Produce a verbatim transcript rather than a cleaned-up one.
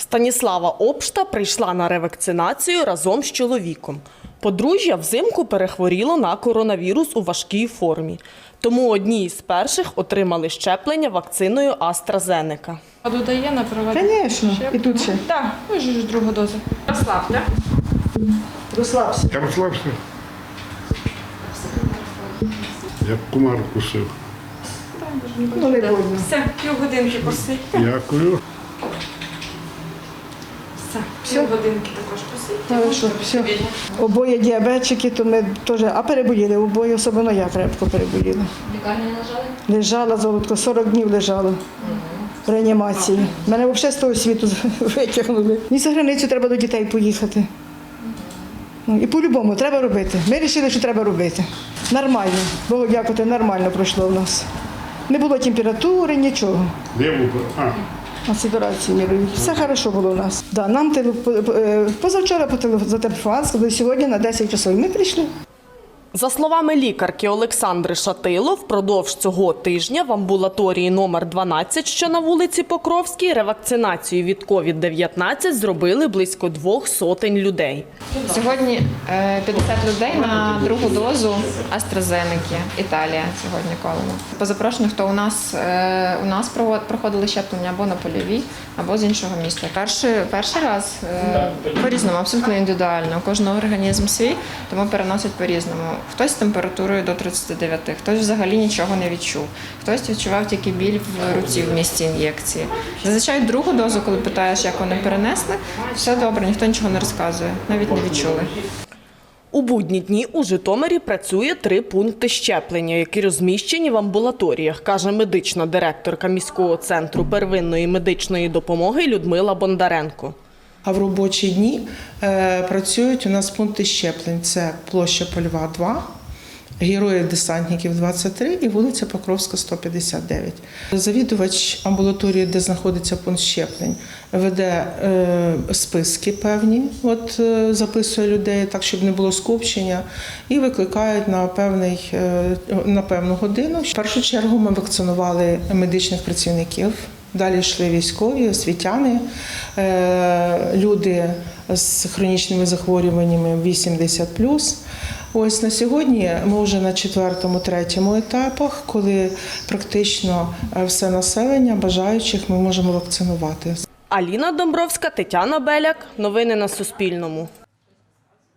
Станіслава Обшта прийшла на ревакцинацію разом з чоловіком. Подружжя взимку перехворіло на коронавірус у важкій формі. Тому одні із перших отримали щеплення вакциною AstraZeneca. А додає на проведення? Звісно, і тут ще. Так, ви ж другу дозу. Розслабте. Розслабся. Я розслабся. Як комар кусив. Ну, не больно. Все, півгодинки посидьте. Дякую. Все, півгодинки також посидьте. Хорошо, все. Обоє діабетчики, то ми теж, а переболіли, обоє, особливо я крепко переболіла. Лікарні не лежали? Лежала, золотко, сорок днів лежала в реанімації. Мене взагалі з того світу витягнули. Ні за границю треба до дітей поїхати. Ну, і по-любому треба робити. Ми вирішили, що треба робити. Нормально. Богу дякувати, нормально пройшло в нас. Не було температури, нічого. Де був? А, На ситуації мірують. Все хорошо було у нас. Да, нам теле- по- е, позавчора по теле- зателефонували, сказали, сьогодні на десять часов. І ми прийшли. За словами лікарки Олександри Шатило, впродовж цього тижня в амбулаторії номер дванадцять, що на вулиці Покровській, ревакцинацію від ковід дев'ятнадцять зробили близько двох сотень людей. Сьогодні е, п'ятдесят людей на другу дозу AstraZeneca. Італія сьогодні колено. По запрошенню, хто у нас, е, у нас провод- проходили щеплення або на польовій, або з іншого міста. Перший, перший раз е, по-різному, абсолютно індивідуально. У кожного організм свій, тому переносять по-різному. Хтось з температурою до тридцяти дев'яти, хтось взагалі нічого не відчув, хтось відчував тільки біль в руці в місці ін'єкції. Зазвичай другу дозу, коли питаєш, як вони перенесли, все добре, ніхто нічого не розказує, навіть не відчули. У будні дні у Житомирі працює три пункти щеплення, які розміщені в амбулаторіях, каже медична директорка міського центру первинної медичної допомоги Людмила Бондаренко. А в робочі дні е, працюють у нас пункти щеплень. Це площа Польова, два, Героїв-десантників, двадцять три і вулиця Покровська, сто п'ятдесят дев'ять. Завідувач амбулаторії, де знаходиться пункт щеплень, веде е, списки певні, от, е, записує людей так, щоб не було скупчення, і викликають на, певний, е, на певну годину. В першу чергу ми вакцинували медичних працівників. Далі йшли військові, освітяни, люди з хронічними захворюваннями вісімдесят плюс. Ось на сьогодні ми вже на четвертому, третьому етапах, коли практично все населення бажаючих ми можемо вакцинувати. Аліна Домбровська, Тетяна Беляк. Новини на Суспільному.